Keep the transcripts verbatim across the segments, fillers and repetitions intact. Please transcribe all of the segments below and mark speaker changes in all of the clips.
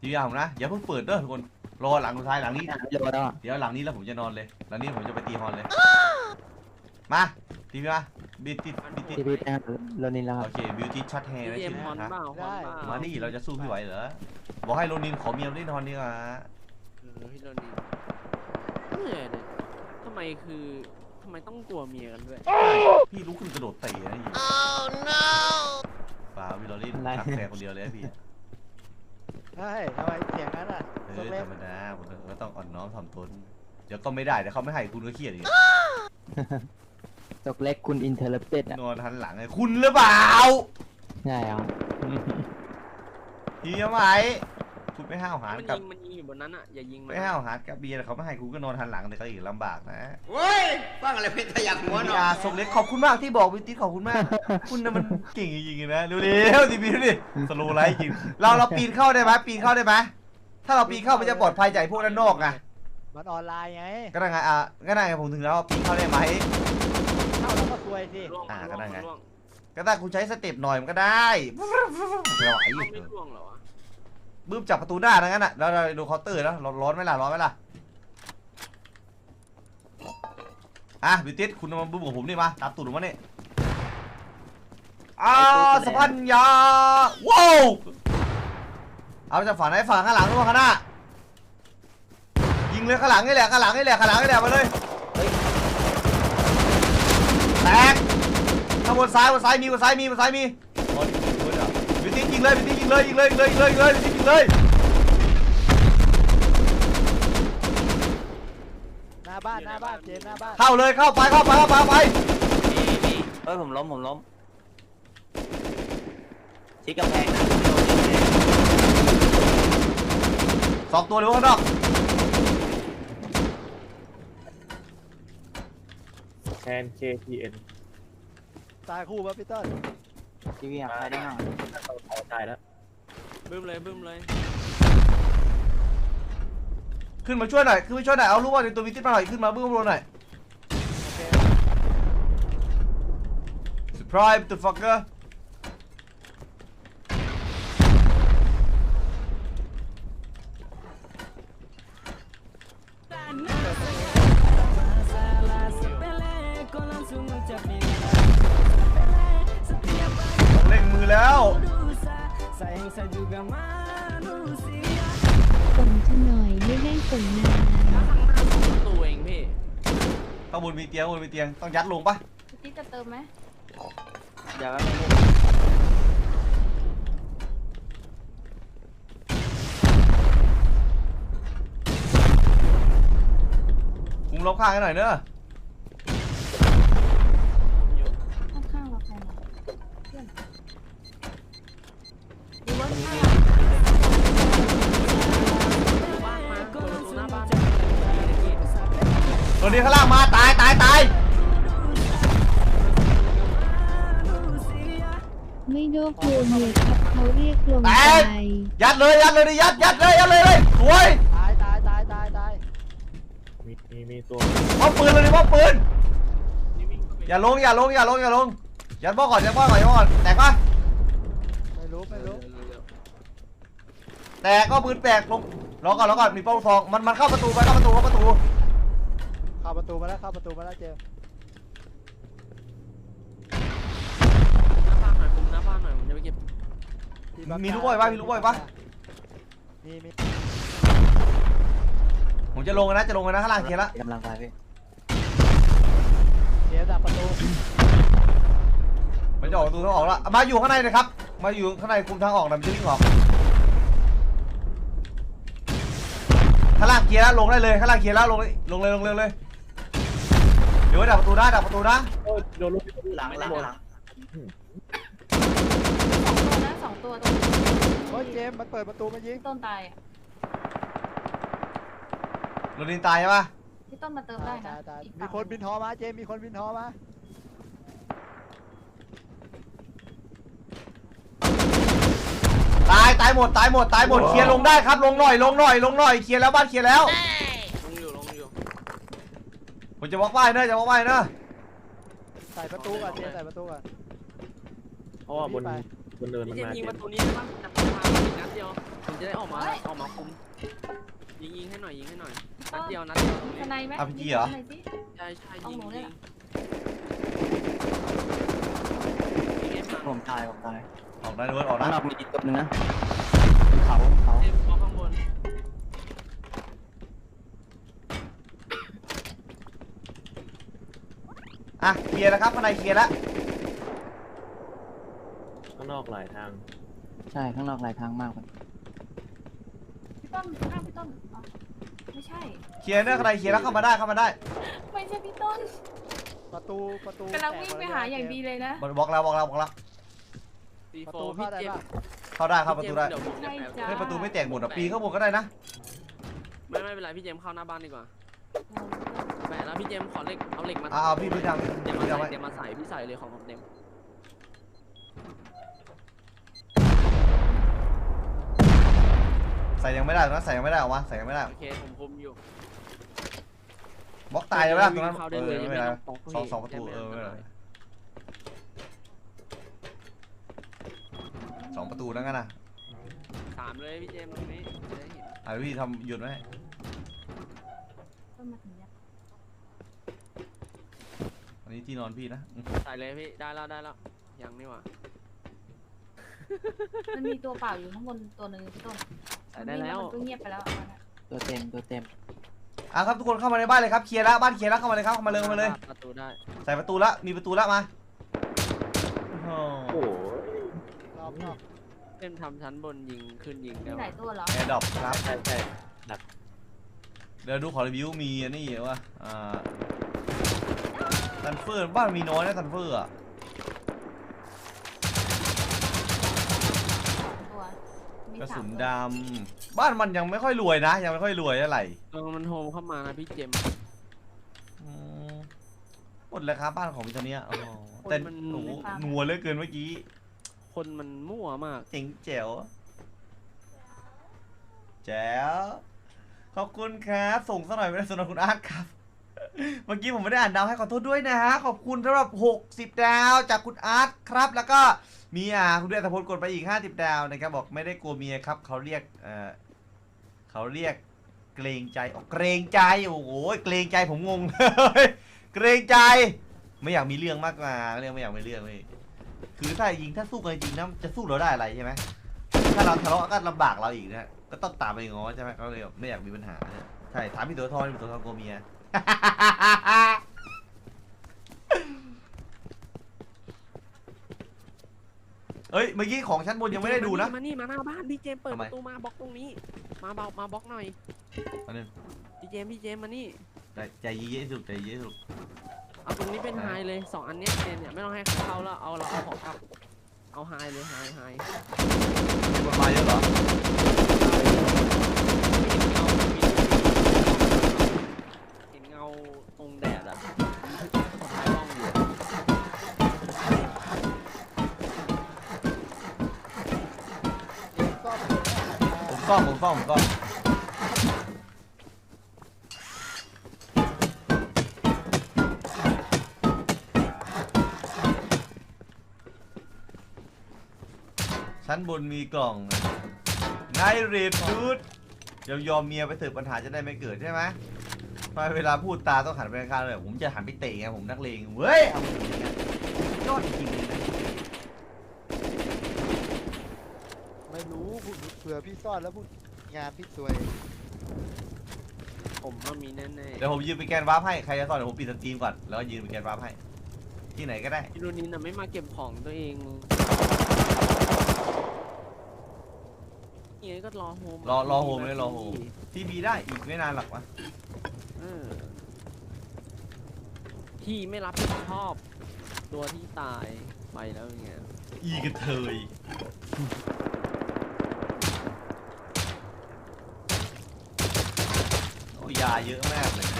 Speaker 1: ทีวีผมนะอย่าเพิ่งเปิดเด้อทุกคนรอหลังสุดท้ายหลังนี้
Speaker 2: เดี๋ยวแล้ว
Speaker 1: เดี๋ยวหลังนี้แล้วผมจะนอนเลยหลังนี้ผมจะไปตีฮอนเลยมาทีวีมาบิดติดบิดติด
Speaker 2: ทีวีแดงโรนินแล้วค
Speaker 1: โอ
Speaker 2: รับ
Speaker 1: เคบิวตี้ช็อตแฮร์นะ
Speaker 3: เกม
Speaker 1: ชื่อ
Speaker 3: ฮอน
Speaker 1: นะ
Speaker 3: เปล่าฮอนเปล่า
Speaker 1: มานี่เราจะสู้พี่ไหวเหรอบอกให้โรนินขอเมียเล่นฮอนดีกว่า
Speaker 3: เออพี่โรนี่เหนื่อยเลยทำไมคือทำไมต้องกลัวเมียกันด้วย
Speaker 1: พี่ลุกขึ้นกระโดดเตะนะยิงป่าวิลลอรี่ขับแฟคนเดียวเลยพี่
Speaker 4: ใช่ทำไมเสียงนั้นอ่ะ
Speaker 1: เอ
Speaker 4: ตัว
Speaker 1: อ
Speaker 4: เล็
Speaker 1: ธ
Speaker 4: ก
Speaker 1: รรมดาผมก็ต้องอ่อนน้อมถ่อมตนเดี๋ยวก็ไม่ได้เดี๋ยวเขาไม่ให้คุณก็เครียดอีก
Speaker 2: จกเล็กคุณอินเทอร์เต็ดอ่ะ
Speaker 1: นอนหันหลังไงคุณหรือเปล่า
Speaker 2: ใช่ครับ
Speaker 1: เฮียไหมคุณไม่ห้าวหาญ
Speaker 3: มัน
Speaker 1: กับ
Speaker 3: ยิงมันยิงอยู่บนนั้นอ่ะอย่ายิงมัน
Speaker 1: ไม่ห้าวหาญกับเบียร์เขาไม่ให้คุณก็นอนหันหลังแต่ก็อีกลำบากนะ
Speaker 5: เว้ยฟังอะไรเพชรขยักหัวหน่อย
Speaker 1: อาส่งเล็กขอบคุณมากที่บอกวิติขอบคุณมาก คุณน่ะมันเก่งจริงๆนะดูดิทีวีดูดิสโลว์ไลท์จริงเราเราปีนเข้าได้ไหมปีนเข้าได้ไหมถ้าเราปีนเข้ามันจะปลอดภัยจากพวกด้านนอกไง
Speaker 4: มันออนไลน์ไง
Speaker 1: ก็ได้ไงอ่ะก็ได้ไงผมถึงแล้วปีนเข้าได้ไหม
Speaker 4: เข้าแล้วก็ซวยสิ
Speaker 3: ร่วง
Speaker 1: อ่าก็
Speaker 3: ร่วง
Speaker 1: ได้ไง
Speaker 3: ร่วง
Speaker 1: ก็ได้คุณใช้สเต็ปหน่อยมันก็ได้ไหว
Speaker 3: ร่วงไม่ร่วงเหรอวะ
Speaker 1: บึ้มจับประตูหน้าทั้งนั้นอ่ะแล้วเราดูเคาน์เตอร์แล้วร้อนไหมล่ะร้อนไหมล่ะอ่ะบิวติสคุณมาบึ้มกับผมนี่มาตามตูดผมมาเนี่ยอ่าสะพันยาว้าวเอาจากฝั่งไหนฝั่งข้างหลังหรือว่าข้างหน้ายิงเลยข้างหลังนี่แหละข้างหลังนี่แหละข้างหลังนี่แหละมาเลยแตกข้างบนซ้ายบนซ้ายมีบนซ้ายมีบนซ้ายมีบิวติสยิงเลยบิวติสยิงเลยยิงเลยยิงเลยยิงเลยยิงเลยบิวติสยิงเลย
Speaker 4: หน้าบ้านหน้าบ้านเจมส์หน้าบ้าน
Speaker 1: เข้าเลยเข้าไปเข้าไปเข้าไปเข้าไป
Speaker 3: มีมี
Speaker 2: เฮ้ยผมล้มผมล้มชิดกำแพงนะ
Speaker 1: สองตัวเร็วข้างนอก
Speaker 6: แทน เค ที เอ็น
Speaker 4: ตายคู่ป่ะพี่ต้น
Speaker 2: ทีวีอ่ะใครได้หน่อย
Speaker 6: เราพอใจแล้ว
Speaker 3: บึ้มเลยบึ้มเลย
Speaker 1: ขึ้นมาช่วยหน่อยขึ้นมาช่วยหน่อยเอาลูกว่าในตัววิจิตมาหน่อยขึ้นมาเบื้องบนหน่อย
Speaker 4: โอเค
Speaker 1: surprise the fucker เล่งมือแล้ว
Speaker 7: ส่งฉันหน่อยไม่ได้ส่งนาน
Speaker 3: ถ้าข้างหน้าสองประตูเองพี่
Speaker 1: ข้างบนมีเตียงข้างบนมีเตียงต้องยัดลงปะ
Speaker 7: พี่จะเติมไหม
Speaker 2: เดี๋ยวแป๊บนึง
Speaker 1: คุมรอบข้างให้หน่อยเนอะ
Speaker 3: ผมอยู่
Speaker 7: ข้างๆเราใครหรอเพื่อนดีว่าข้าง
Speaker 3: บ้านมาเปิดประตูหน้าบ้าน
Speaker 1: ตัวนี้ข้างล่างมาตายตายตาย
Speaker 7: ไม่โดกลัวเมียครับเขาเรียกลงใจ
Speaker 1: ยัดเลยยัดเลยดิยัดยัดเลยยัดเลยเลยสวย
Speaker 4: ตายตายตายตายตาย
Speaker 6: มีมีมีตัว
Speaker 1: มอบปืนเลยดิมอบปืน
Speaker 3: นี่วิ่งเข้าไป
Speaker 1: อย่าลงอย่าลงอย่าลงอย่าลงยัดบ้อก่อนยัดบ้อก่อนยัดบ้อก่อนแตกปะ
Speaker 4: ไม่รู้ไม่รู้
Speaker 3: เร็ว
Speaker 1: แตกก็ปืนแตกลงรอก่อนรอก่อนมีเป้าทองมันมันเข้าประตูไปเข้าประตูเข้าประตู
Speaker 4: เข้าประตูมาแล้วเข้าประตูมาแล้วเจมส์
Speaker 3: ๆหน้าบ้านหน่อยคุมหน้าบ้านหน่อยผมจะไปเก็บ
Speaker 4: ที่บัก
Speaker 1: มีลูกบอยปะมีลูกบอยปะ
Speaker 4: มีมี
Speaker 1: ผมจะลงนะจะลงนะข้างล่างเคลียร์ละ
Speaker 2: กำลังไปพี่
Speaker 4: เจมส์ดักประตู
Speaker 1: มันจะออกประตูทางออกแล้วมาอยู่ข้างในนะครับมาอยู่ข้างในคุมทางออกนะมันจะวิ่งออกข้างล่างเคลียร์แล้วลงได้เลยข้างล่างเคลียร์แล้วลงเลยลงเลยลงเลยลงเลยเดี๋ยวไว้ดักประตูนะดักประตูนะ
Speaker 6: โอ้ยโดนลูก
Speaker 2: หลังหลังหลัง
Speaker 7: สองตัวนะสองตัวตรง
Speaker 4: โอ้ยเจมส์มันเปิดประตูมายิง
Speaker 7: ต้นตายอ่ะ
Speaker 1: โรนินตายใช่ปะ
Speaker 7: พี่ต้นมาเติมได้นะ
Speaker 4: ตายตาย
Speaker 7: อีก
Speaker 4: มี
Speaker 7: ฝั่ง
Speaker 4: คนบินทอมาเจมส์มีคนบินทอมา
Speaker 1: ตายตายหมดตายหมดตายหมดเคลียร์ลงได้ครับลงหน่อยลงหน่อยลงหน่อยเคลียร์แล้วบ้านเคลียร์แล้ว
Speaker 3: ลงอยู่ลงอยู่
Speaker 1: ผมจะบล็อกบ้านเนอะจะบล็อกบ้านเนอะ
Speaker 4: ใส่ประตูก่อนเจมส์ใส่ประตูก่อน
Speaker 6: เพราะว่าบน
Speaker 4: ไป
Speaker 6: บนเนินมัน
Speaker 3: พี่เจม
Speaker 6: มา
Speaker 3: ส์ยิง
Speaker 6: เจ
Speaker 3: ประ
Speaker 6: ม
Speaker 3: ตูนี้ได้ปะจับมาอีกนัดเดียวผมจะได้ออกมาออกมาคุมยิงยิงให้หน่อยยิงให้หน่อยนัดเดียวนัดเดียวตรง
Speaker 8: ท
Speaker 3: นี้
Speaker 8: นายไหม
Speaker 1: อาร์พีจีเหรอ
Speaker 8: หน่อยสิ
Speaker 3: ใช่ใช่
Speaker 8: เอา
Speaker 3: ยิง
Speaker 8: หนูเลย
Speaker 3: ยิ
Speaker 8: เหรอ
Speaker 3: งยิงให้ผ่าน
Speaker 2: ผมตายผมตาย
Speaker 1: ออกได้ด้วยออก
Speaker 2: ข้า
Speaker 1: ได้
Speaker 2: งนอกมีอีกตัวหนึงนะบนเขาบนเขา
Speaker 3: เจมส์มองข้างบน
Speaker 1: อ่ะเคลียร์แล้วครับข้างในเคลียร์แล้ว
Speaker 6: ข้างนอกหลายทาง
Speaker 2: ใช่ข้างนอกหลายทางมากเลย
Speaker 8: พี่ต้นข้างพี่ต้นอ๋อไม่ใช่
Speaker 1: เคลียร์เนื้อข้างในเคลียร์แล้วเข้ามาได้เข้ามาได้
Speaker 8: ไม่ใช่พี่ต้น
Speaker 4: ประตูประตู
Speaker 8: กำลังวิ่งไปหาอย่างดีเลยนะ
Speaker 1: บอกแล้วบอกแล้วบอกแล้ว
Speaker 3: ซี
Speaker 4: ประ
Speaker 3: โฟ
Speaker 4: ตู
Speaker 3: พี่
Speaker 4: เข้าได้
Speaker 3: เจม
Speaker 4: ปะ
Speaker 3: ส์
Speaker 1: เข้าได้เข้าประตูได้
Speaker 3: เดี๋ยวผมจะ
Speaker 8: ใช่
Speaker 3: แปะ
Speaker 8: จ้า
Speaker 1: เฮ้ยประตูไม่แตกหมดอ่ะปีนข้างบนก็ได้นะ
Speaker 3: ไม่ไม่เป็นไรพี่เจมส์เข้าหน้าบ้านดีกว่าแปะแล้วพี่เจมส์ขอเหล็กเอาเหล็กมา
Speaker 1: เอาเอาพี่พี่ทำ
Speaker 3: เดี๋ยวมา
Speaker 1: พี่
Speaker 3: ใส่
Speaker 1: ทำไว้
Speaker 3: เดี๋ยวมาใส่พี่ใส่เลยของผมเต็ม
Speaker 1: ใส่ยังไม่ได้ตรงนั้นใส่ยังไม่ได้ออกมาใส่ยังไม่ได้
Speaker 3: โอเคผมคุมอยู่
Speaker 1: บล็อกตายยังไม่ได้ตรงนั้น
Speaker 3: เข้า
Speaker 1: เอ
Speaker 3: ได้
Speaker 1: อ
Speaker 3: เลย
Speaker 1: ไม่เป็นไร
Speaker 3: ไม่ต้อง
Speaker 1: สองสองประ
Speaker 3: จะ
Speaker 1: ตู
Speaker 3: ไม่
Speaker 1: เออไม่เป็นไรสองประตูนั่นกันนะ
Speaker 3: สามเลยพี่เจมส์ตรงนี้จะได้เห็น
Speaker 1: อ่ะพี่ทำหยุดไว้
Speaker 8: ต้นมาถึงเนี่ย
Speaker 1: อันนี้ที่นอนพี่นะอืม
Speaker 3: ใส่เลยพี่ได้แล้วได้แล้วยังนี่หว่า
Speaker 8: มันมีตัวเปล่าอยู่ข้างบนตัวหนึ่งพี่ต้น
Speaker 3: ใส่ได้แล้ว
Speaker 8: มันก็เงียบไปแล้วตอนนั้น
Speaker 2: ตัวเต็มตัวเต็ม
Speaker 1: อ่ะครับทุกคนเข้ามาในบ้านเลยครับเคลียร์แล้วบ้านเคลียร์แล้วเข้ามาเลยครับเข้ามาเลยเข้ามาเลย
Speaker 3: ประตูได้
Speaker 1: ใส่ประตูละมีประตูละมาโอ้
Speaker 6: โอ้
Speaker 1: โห
Speaker 6: โห
Speaker 4: รอบนอก
Speaker 3: เป็นทำชั้นบนยิงขึ้นยิง
Speaker 8: มี
Speaker 3: ได้
Speaker 8: หลายตัวเหรอ
Speaker 1: แอร์ดรอปครับ
Speaker 6: ใช่ใช่
Speaker 1: เดี๋ยวดูขอรีวิวมีอันนี้เหรอวะอ่าซันเฟอร์บ้านมีน้อยนะซันเฟอร์อ่ะ
Speaker 8: ตัวมี
Speaker 1: กระ
Speaker 8: สา
Speaker 1: สุ
Speaker 8: ม
Speaker 1: น
Speaker 8: ตัว
Speaker 1: ดำบ้านมันยังไม่ค่อยรวยนะ ยังไม่ค่อยรวยเท่าไหร่
Speaker 3: เออมันโฮมเข้ามานะพี่เจมส์
Speaker 1: อืมหมดแล้วครับบ้านของพี่ตัวเนี้ยโอ้โหแต่
Speaker 3: มัน
Speaker 1: โอ้โหนัวเหลือเกินเมื่อกี้
Speaker 3: คนมันมั่วมาก
Speaker 1: เจ๋งแจ๋วแจ๋วขอบคุณครับส่งสักหน่อยไม่ได้สำหรับคุณอาร์ตครับ เมื่อกี้ผมไม่ได้อ่านดาวให้ขอโทษด้วยนะฮะขอบคุณสำหรับหกสิบดาวจากคุณอาร์ตครับ แล้วก็มีอ่าคุณเดือนตะพลกดไปอีกห้าสิบดาวนะครับบอกไม่ได้กลัวเมียครับเขาเรียกเอ่อเขาเรียกเกรงใจอ๋อเกรงใจโอ้โหเกรงใจผมงง เกรงใจ ไม่อยากมีเรื่องมากกว่าเรื่องไม่อยากมีเรื่องเลยคือถ้ายิงถ้าสู้กันจริงนะจะสู้เราได้อะไรใช่ไหมถ้าเราทะเลาะก็ลำบากเราอีกนะก็ต้องตามไปง้อใช่ไหมเขาเลยแบบไม่อยากมีปัญหาเนี่ยใช่ถามพี่ตัวทองพี่ตัวทองกลัวเมีย เอ้ยเมื่อกี้ของชั้นบนยังไม่ได้ดูนะ
Speaker 3: มานี่มาหน้าบ้านพี่เจมส์เปิด
Speaker 1: ทำไม
Speaker 3: ประตูมาบล็อกตรงนี้ มาเบามาบล็อกหน่อย
Speaker 1: อันนึง
Speaker 3: พี่เจมส์พี่เจมส์มานี่
Speaker 1: ใจใจเย็นๆสุดใจเย็นๆสุด
Speaker 3: เอาตรงนี้เป็นไฮเลยสองอันเนี้ยเจมส์เนี่ยไม่ต้องให้เขาเข้าแล้วเอาเราเอาของกลับเอาไฮเลยไฮไฮ
Speaker 1: มีคนมาเยอะเหรอ
Speaker 3: เห็นเงาตรงแดดอ่ะถ่ายกล้องอยู่
Speaker 4: ซ่อม
Speaker 1: ผมซ่อมผมซ่อมผมซ่อมชั้นบนมีกล่องไงเรดดูดยอมยอมเมียไปเถอะปัญหาจะได้ไม่เกิดใช่ไหมทำไมเวลาพูดตาต้องหันไปข้างๆเลยผมจะหันไปเตะไงผมนักเลงเว้ยเอามืออย่างเงี้ยยอดจริงๆเลยนะ
Speaker 4: ไม่รู้เผื่อพี่ซ่อนแล้วพูดงานพี่สวย
Speaker 3: ผมว่ามีแน่
Speaker 1: เดี๋ยวผมยืนไปแกนวาร์ปให้ใครจะซ่อนเดี๋ยวผมปิดสตรีมก่อนแล้วก็ยืนไปแกนวาร์ปให้ที่ไหนก็ได้
Speaker 3: ๆพี่โรนินน่ะไม่มาเก็บของตัวเองเงี้ยก็รอโฮม
Speaker 1: รอรอโฮมเลยรอโฮมทีบีได้อีกไม่นานหรอกวะ
Speaker 3: เออที่ไม่รับผิดชอบ ตัวที่ตายไปแล้วอย่างเงี้ย
Speaker 1: อีกระเทยโอ้ยาเยอะมากเลย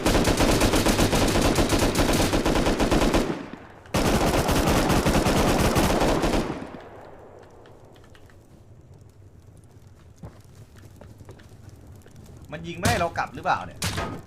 Speaker 1: มันยิงไม่ให้เรากลับหรือเปล่าเนี่ย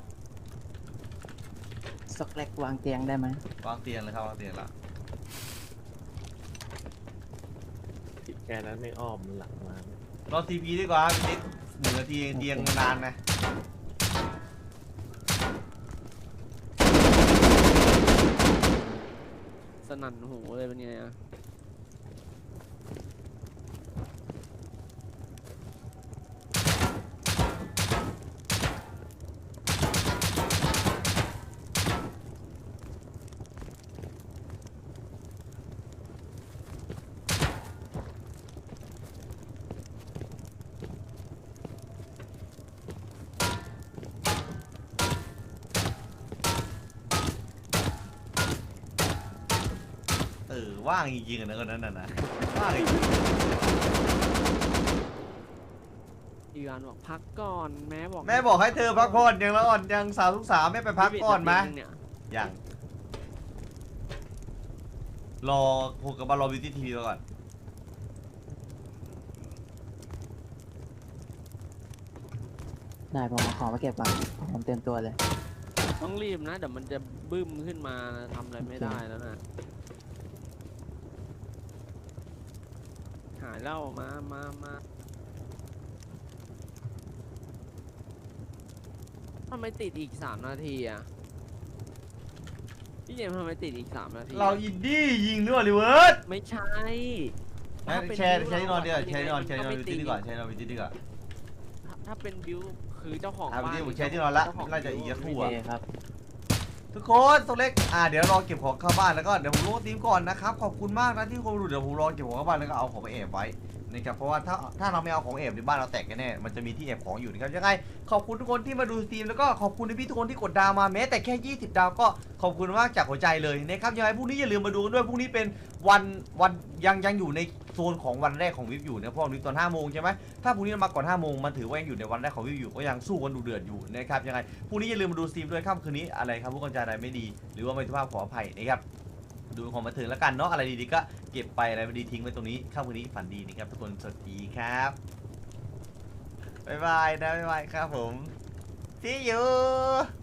Speaker 2: สกแลกวางเตียงได้ไหม
Speaker 1: วางเตียงเลยครับวางเตียงละ
Speaker 6: ค่นั้นไม่อ้อมหลังมา
Speaker 1: รอทีพีดีกว่าพี่ติ๊กหนึ่งนาทีเองเตียงนานนะ
Speaker 3: สนั่นหูเลยเป็นไงอะ
Speaker 1: เออว่างจริงๆอะนะคนนั้นน่ะนะว่างจริง
Speaker 3: อีวานบอกพักก่อนแม่บอก
Speaker 1: แม่บอกให้เธอพักผ่อนยังละอ่อนยังสาวทุกสาวแม่ไปพักก่อนไหม
Speaker 3: เนี่ย
Speaker 1: ยังรอโหกับบอลรอบิวตี้ทีวีก่อน
Speaker 2: ได้ผมมาขอมาเก็บก่อนผมเตรียมตัวเลย
Speaker 3: ต้องรีบนะเดี๋ยวมันจะบึ้มขึ้นมานะทำอะไรไม่ได้แล้วนะหายเหล้ามามามาทำไมติดอีกสามนาทีอะพี่เจมส์ทำไมติดอีกสามนาที
Speaker 1: เราอินดี้ยิงด้วยลิเวิร์ด
Speaker 3: ไม่ใช่
Speaker 1: แชร์แชร์แชร์ที่นอนดีกว่าแชร์ที่นอนแชร์ที่นอนบิวตี้ดีกว่าแชร์ที่นอนบิวตี้ดีกว่า
Speaker 3: ถ้าถ้าเป็นบิวคือเจ้าของ
Speaker 1: อ่ะบิว
Speaker 3: บ้าน
Speaker 1: ตี้ผมแชร์ที่นอนละ
Speaker 3: เจ้าของ
Speaker 1: น่าจะอีก
Speaker 3: บิว
Speaker 1: คู่
Speaker 2: โอ
Speaker 1: อะ
Speaker 2: เคครับ
Speaker 1: ทุกคนตัวเล็กอ่าเดี๋ยวรอเก็บของเข้าบ้านแล้วก็เดี๋ยวผมลงทีมก่อนนะครับขอบคุณมากนะที่คนดูเดี๋ยวผมรอเก็บของเข้าบ้านแล้วก็เอาของไปแอบไว้นะครับเพราะว่าถ้าถ้าเราไม่เอาของแอบในบ้านเราแตกแน่ๆมันจะมีที่แอบของอยู่นะครับยังไงขอบคุณทุกคนที่มาดูสตรีมแล้วก็ขอบคุณพี่ๆทุกคนที่กดดาวมาแม้แต่แค่ยี่สิบดาวก็ขอบคุณมากจากหัวใจเลยนะครับยังไงพรุ่งนี้อย่าลืมมาดูกันด้วยพรุ่งนี้เป็นวันวันยังยังอยู่ในโซนของวันแรกของวิวอยู่นะเพราะวันนี้ตอนห้าโมงใช่ไหมถ้าพรุ่งนี้เรามาก่อนห้าโมงมันถือว่ายังอยู่ในวันแรกของวิวอยู่ก็ยังสู้กันดูเดือดอยู่นะครับยังไงพรุ่งนี้อย่าลืมมาดูสตรีมด้วยค่ำคืนนี้อะไรครับผู้กำกับอะไรไม่ดี หรือว่าไม่สุภาพขออภัยนะครับดูของบันเทิงแล้วกันเนาะอะไรดีๆก็เก็บไปอะไรไม่ดีทิ้งไว้ตรงนี้ค่ำคืนนี้ฝันดีนะครับทุกคนสวัสดีครับบ๊ายบายนะบ๊ายบายครับผม see you